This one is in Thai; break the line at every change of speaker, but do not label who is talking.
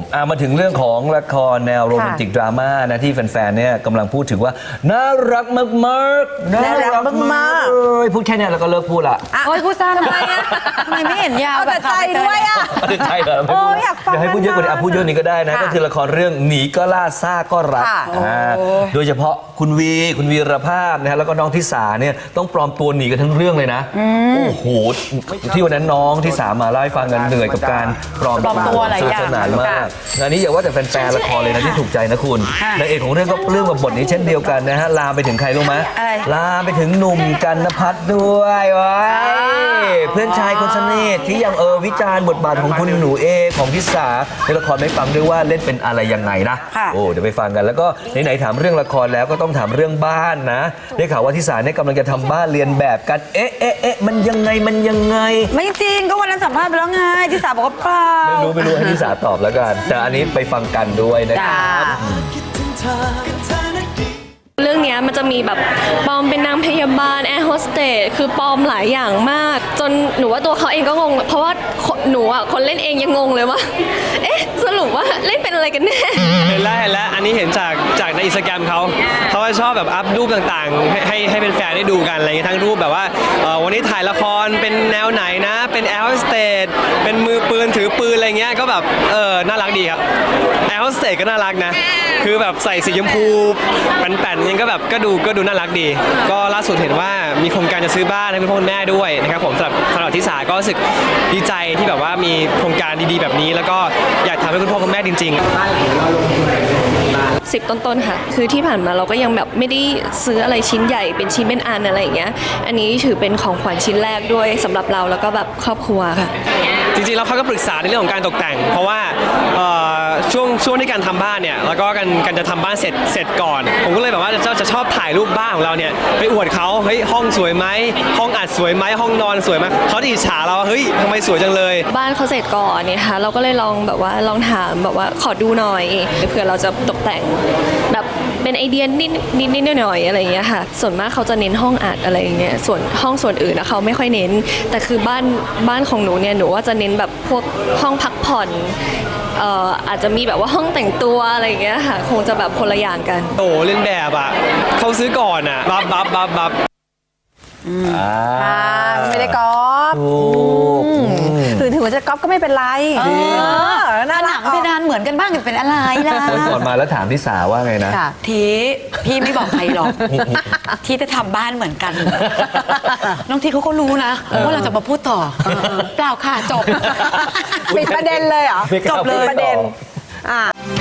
มาถึงเรื่องของละครแนวโรแมนติกดราม่านะที่แฟนๆเนี่ยกำลังพูดถึงว่าน่ารักมากๆน่ารักมากๆพูดแค่นี้แล้วก็เลิกพูดละ
โอ้ยพูดสั้นทำไมอะทำไมไม่เห็นยาวแบบใจด้วยอะ
ใช่เหรอไม่พูดอยากให้พูดเยอะกว่านี้พูดเยอะนี้ก็ได้นะก็คือละครเรื่องหนีก็ล่าซ่าก็รักโดยเฉพาะคุณวีรภาพนะฮะแล้วก็น้องทิสาเนี่ยต้องปลอมตัวหนีกันทั้งเรื่องเลยนะโอ้โหที่วันนั้นน้องทิสามาเล่าให้ฟังกันเหนื่อยกับการปลอมตัวอะไรอย่างสนานมากงานนี้อย่าว่าแต่แฟนๆละครเลยนะที่ถูกใจนะคุณนางเอกของเรื่องก็เรื่องกับบทนี้เช่นเดียวกันนะฮะลามไปถึงใครรู้ไหมลามไปถึงหนุ่มกันนภัทรด้วยว้ายเพื่อนชายคนสนิทที่ยังวิจารณ์บทบาทของคุณหนูเอของทิสาในละครไม่ฟังด้วยว่าเล่นเป็นอะไรยังไงนะโอ้เดี๋ยวไปฟังกันแล้วก็ไหนๆถามเรื่องละครแล้วก็ต้องถามเรื่องบ้านนะได้ข่าวว่าทิสาเนี่ยกำลังจะทำบ้านเรียนแบบกันมันยังไง
ไม่จริงก็วันนั้นสัมภาษณ์ไปแล้วไงทิสาบอกว่าเปล่า
ไม่รู้ให้ทิสาตอบแล้วกันแต่อันนี้ไปฟังกันด้วยนะครับ
เรื่องนี้มันจะมีแบบปลอมเป็นนางพยาบาลแอร์โฮสเตสคือปลอมหลายอย่างมากจนหนูว่าตัวเขาเองก็งงเพราะว่าหนูอ่ะคนเล่นเองยังงงเลยว่าเอ๊ะสรุปว่าเล่นเป็นอะไรกันแน่
เห็นแล้วอันนี้เห็นจากในอินสตาแกรมเขาจะชอบแบบอัพรูปต่างๆให้เป็นแฟนได้ดูกันอะไรเงี้ยทั้งรูปแบบว่าวันนี้ถ่ายละครเป็นแนวไหนนะเป็นแอร์โฮสเตสเป็นมือปืนถือปืนอะไรเงี้ยก็แบบน่ารักดีครับแอร์โฮสเตสก็น่ารักนะคือแบบใส่สีชมพูแป่นๆยังก็แบบก็ดูน่ารักดีก็ล่าสุดเห็นว่ามีโครงการจะซื้อบ้านให้คุณพ่อคุณแม่ด้วยนะครับผมสำหรับทิสาก็รู้สึกดีใจที่แบบว่ามีโครงการดีๆแบบนี้แล้วก็อยากทำให้คุณพ่อคุณแม่จริง
ๆ10 ต้นๆค่ะคือที่ผ่านมาเราก็ยังแบบไม่ได้ซื้ออะไรชิ้นใหญ่เป็นชิ้นเป็นอันอะไรอย่างเงี้ยอันนี้ถือเป็นของขวัญชิ้นแรกด้วยสำหรับเราแล้วก็แบบครอบครัวค่ะ
จริงๆแล้วเขาก็ปรึกษาในเรื่องของการตกแต่งเพราะว่าช่วงที่การทำบ้านเนี่ยแล้วก็การจะทำบ้านเสร็จก่อนผมก็เลยแบบว่าจะชอบถ่ายรูปบ้านของเราเนี่ยไปอวดเขาเฮ้ยห้องสวยไหมห้องอัดสวยไหมห้องนอนสวยไหมเขาจะอิจฉาเราเฮ้ยทำไมสวยจังเลย
บ้านเขาเสร็จก่อนเนี่ยค่ะเราก็เลยลองถามแบบว่าขอดูหน่อยเผื่อเราจะตกแต่งแบบเป็นไอเดียนิดหน่อยอะไรอย่างเงี้ยค่ะส่วนมากเขาจะเน้นห้องอัดอะไรอย่างเงี้ยส่วนห้องส่วนอื่นนะเขาไม่ค่อยเน้นแต่คือบ้านของหนูเนี่ยหนูว่าจะเน้นแบบพวกห้องพักผ่อนอาจจะมีแบบว่าห้องแต่งตัวอะไรอย่างเงี้ยค่ะคงจะแบบคนละอย่างกัน
โอ้เล่นแบบอ่ะเขาซื้อก่อนอ่ะบับ
ไม่ได้ก๊อปถึงว่าจะก๊อปก็ไม่เป็นไรหน้าหลังเพดานเหมือนกันบ้างเป็นอะไรล่ะ
วันก่อนมาแล้วถามทิสาว่าไงนะ
ทีพี่ไม่บอกใครหรอกที่จะทำบ้านเหมือนกันน้องทีเขาก็รู้นะว่าเราจะมาพูดต่อเปล่าค่ะจบปิดประเด็นเลยเหรอจบเลยประเด็น